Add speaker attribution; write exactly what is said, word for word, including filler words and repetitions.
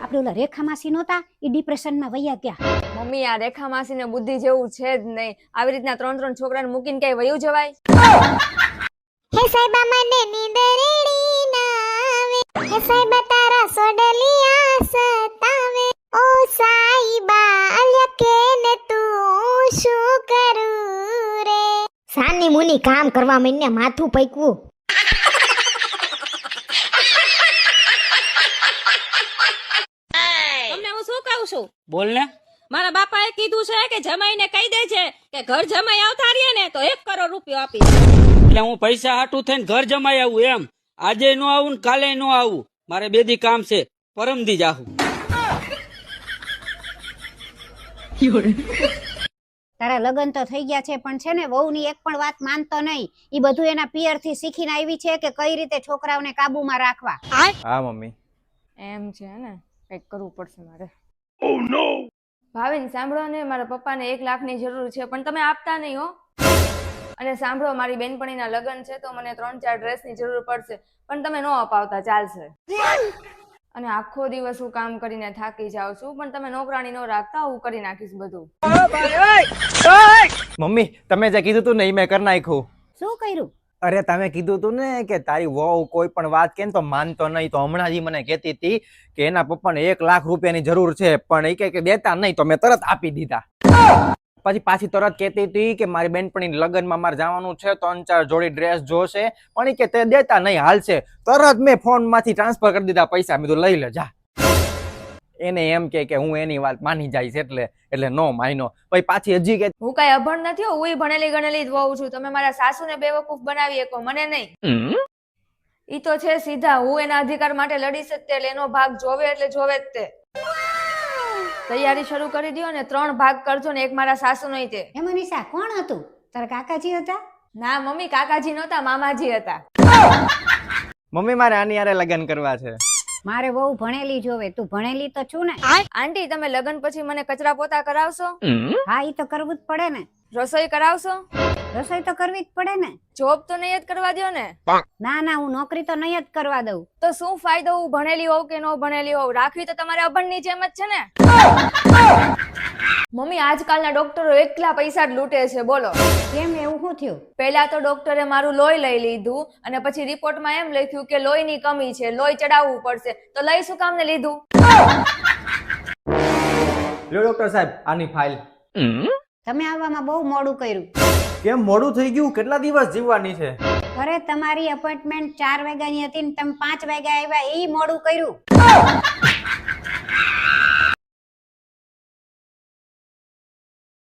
Speaker 1: આપણે ઓલા રેખા માસી નહોતા એ ડિપ્રેશનમાં વયા ગયા.
Speaker 2: મમ્મી આ રેખા માસીને બુદ્ધિ જેવું છે જ નહીં. આવી રીતના ત્રણ ત્રણ છોકરાને મૂકીને કઈ વયું જવાય?
Speaker 3: હે સાહેબા મને નીંદ રેડી ના આવે, હે સાહેબા તારા સોડલિયા સતાવે, ઓ સાઈબા અલ્યા ને તું શું કરું રે. સાની મુની કામ કરવા મને માથું પૈકવું.
Speaker 4: તમને હું શું કહું છું?
Speaker 5: બોલ ને.
Speaker 4: મારા બાપાએ કીધું છે કે જમાઈને કહી દે છે કે ઘર જમાઈ આવતા રહીએ ને તો એક કરોડ રૂપિયો આપીશ.
Speaker 5: એટલે હું પૈસા હાટું થઈને ઘર જમાઈ આવું એમ? આજે નો આવું ને કાલે નો આવું. મારે બે દી કામ છે, પરમદી જાહું.
Speaker 1: તારા લગ્ન તો થઈ ગયા છે પણ છે ને વહુની એક પણ વાત માનતો નહીં. ઈ બધું એના પિયર થી શીખીને આવી છે કે કઈ રીતે છોકરાઓને કાબુમાં રાખવા.
Speaker 6: હા મમ્મી.
Speaker 2: એમ છે ને, કઈક કરવું પડશે મારે. ઓ નો ભાવિન સાંભળો ને, મારા પપ્પાને એક લાખની જરૂર છે પણ તમે આપતા નહીં હો. અને સાંભળો, મારી બેનપણીના લગ્ન છે તો મને ત્રણ ચાર ડ્રેસની જરૂર પડશે પણ તમે નો અપાવતા ચાલશે. અને આખો દિવસ હું કામ કરીને થાકી જાઉં છું પણ તમે નોકરાણી નો રાખતા, હું કરી નાખીશ બધું.
Speaker 6: મમ્મી તમે જે કીધું તું ને એ મેં કરી નાખ્યું.
Speaker 1: શું કર્યું?
Speaker 6: અરે તમે કીધું તું ને કે તારી વહુ કોઈ પણ વાત કે તો માનતો નહીં, તો હમણાં જ મને કહેતી હતી કે એના પપ્પાને એક લાખ રૂપિયાની જરૂર છે પણ એ કહે કે દેતા નહીં, તો મેં તરત આપી દીધા. પછી પાછી તરત કહેતી હતી કે મારી બેનપણી લગ્નમાં મારે જવાનું છે, ત્રણ ચાર જોડી ડ્રેસ જોશે પણ એ કે તે દેતા નહીં, હાલશે. તરત મેં ફોન માંથી ટ્રાન્સફર કરી દીધા પૈસા. મેં તો લઈ લે જા. એને એમ કે કે હું એની વાત માની જઈશ એટલે એટલે નો માયનો. પછી પાછી હજી કે
Speaker 2: હું કઈ અભણ નથી, હું ભણેલી ગણેલી જ વહુ છું. તમે મારા સાસુને બેવકૂફ બનાવી શકો, મને નહીં. ઈ તો છે સીધા, હું એના અધિકાર માટે લડીશ જ તે. એનો ભાગ જોવે એટલે જોવે જ તે. તૈયારી શરૂ કરી દો ને ત્રણ ભાગ કરજો ને એક મારા સાસુ નહીં તે.
Speaker 1: એ મનીષા કોણ હતું? તારા કાકાજી હતા?
Speaker 2: ના મમ્મી, કાકાજી નહોતા, મામાજી હતા.
Speaker 6: મમ્મી મારે આની હારે લગ્ન કરવા છે.
Speaker 1: મારે બહુ ભણેલી જોવે. તું ભણેલી તો છું ને?
Speaker 2: આંટી તમે લગ્ન પછી મને કચરા પોતા કરાવશો?
Speaker 1: હા ઈ તો કરવું જ પડે ને.
Speaker 2: રસોઈ કરાવશો?
Speaker 1: રસોઈ તો કરવી જ પડે ને.
Speaker 2: જોબ તો નહીં જ કરવા દો ને?
Speaker 1: ના ના, હું નોકરી તો નહીં જ કરવા દઉં.
Speaker 2: તો શું ફાયદો હું ભણેલી હોઉં કે ન ભણેલી હોઉં? રાખવી તો તમારે અભણની જેમ જ છે ને. મમ્મી આજકાલના ડોક્ટરો એકલા પૈસા જ લૂંટે છે, બોલો
Speaker 1: કેમ, એવું શું થયું?
Speaker 2: પહેલા તો ડોક્ટરે મારું લોહી લઈ લીધું અને પછી રિપોર્ટમાં એમ લખ્યું કે લોહીની કમી છે, લોહી ચડાવવું પડશે. તો લઈ શું કામ ને લીધું?
Speaker 6: લો ડોક્ટર સાહેબ આની ફાઇલ.
Speaker 1: તમે આવવામાં બહુ મોડું કર્યું.
Speaker 6: કેમ મોડું થઈ ગયું? કેટલા દિવસ જીવવાની છે?
Speaker 1: અરે તમારી અપોઇન્ટમેન્ટ ચાર વાગ્યાની હતી ને તમે પાંચ વાગ્યા આવ્યા, એ મોડું કર્યું.